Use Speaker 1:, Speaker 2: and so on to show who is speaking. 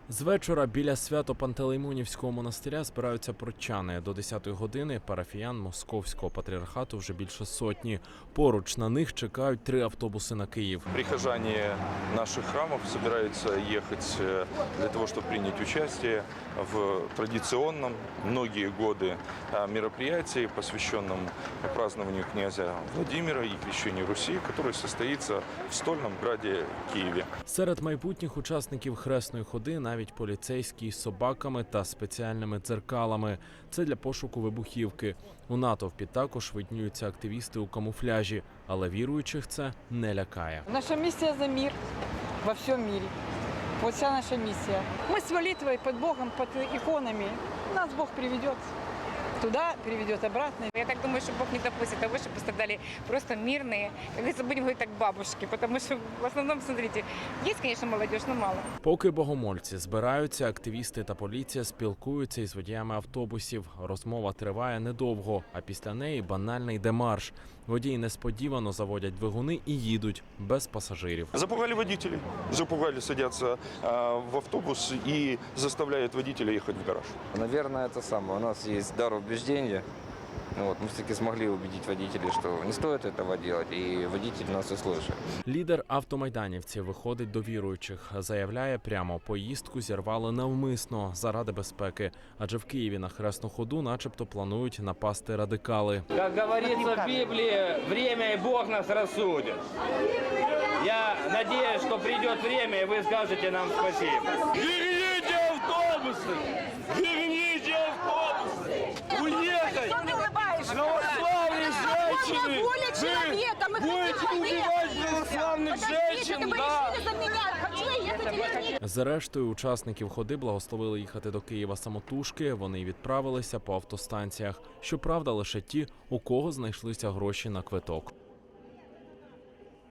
Speaker 1: З вечора біля Свято-Пантелеймонівського монастиря збираються прочани. До 10-ї години парафіян Московського патріархату вже більше сотні. Поруч на них чекають 3 автобуси на Київ.
Speaker 2: Прихожане наших храмов собираются ехать для того, чтобы принять участие в традиционном многие годы мероприятии, посвященном празднованию князя Владимира и крещению Руси, который состоится в стольном граде Киеве.
Speaker 1: Серед майбутніх учасників хресної ходи навіть поліцейські з собаками та спеціальними дзеркалами. Це для пошуку вибухівки. У натовпі також виднюються активісти у камуфляжі, але віруючих це не лякає.
Speaker 3: Наша миссия за мир во всем мире. Вот вся наша миссия. Мы с молитвой под Богом, под иконами. Нас Бог приведет туда, приведет обратно.
Speaker 4: Я так думаю, что Бог не допустит того, что пострадали просто мирные, как говорится, будем говорить так, бабушки, потому что в основном, смотрите, есть, конечно, молодежь, но мало.
Speaker 1: Поки богомольці збираються, активісти та поліція спілкуються із водіями автобусів. Розмова триває недовго, а після неї банальний демарш. Водії несподівано заводять двигуни і їдуть без пасажирів.
Speaker 2: Запугали водителей, садятся в автобус и заставляют водителя ехать в гараж.
Speaker 5: Наверное, это самое. У нас есть дар убеждения. Вот, мы все-таки смогли убедить водителей, что не стоит этого делать, и водитель нас и слышит.
Speaker 1: Лідер автомайданівців виходить до віруючих. Заявляє прямо, поїздку зірвали навмисно, заради безпеки. Адже в Києві на хресну ходу начебто планують напасти радикали.
Speaker 6: Как говорится в Библии, время и Бог нас рассудит. Я надеюсь, что придет время, и вы скажете нам спасибо. Верните автобусы! Верните автобусы! Уехать! Православные женщины! Вы будете убивать православных женщин, да!
Speaker 1: Зрештою, учасників ходи благословили їхати до Києва самотужки. Вони відправилися по автостанціях. Щоправда, лише ті, у кого знайшлися гроші на квиток.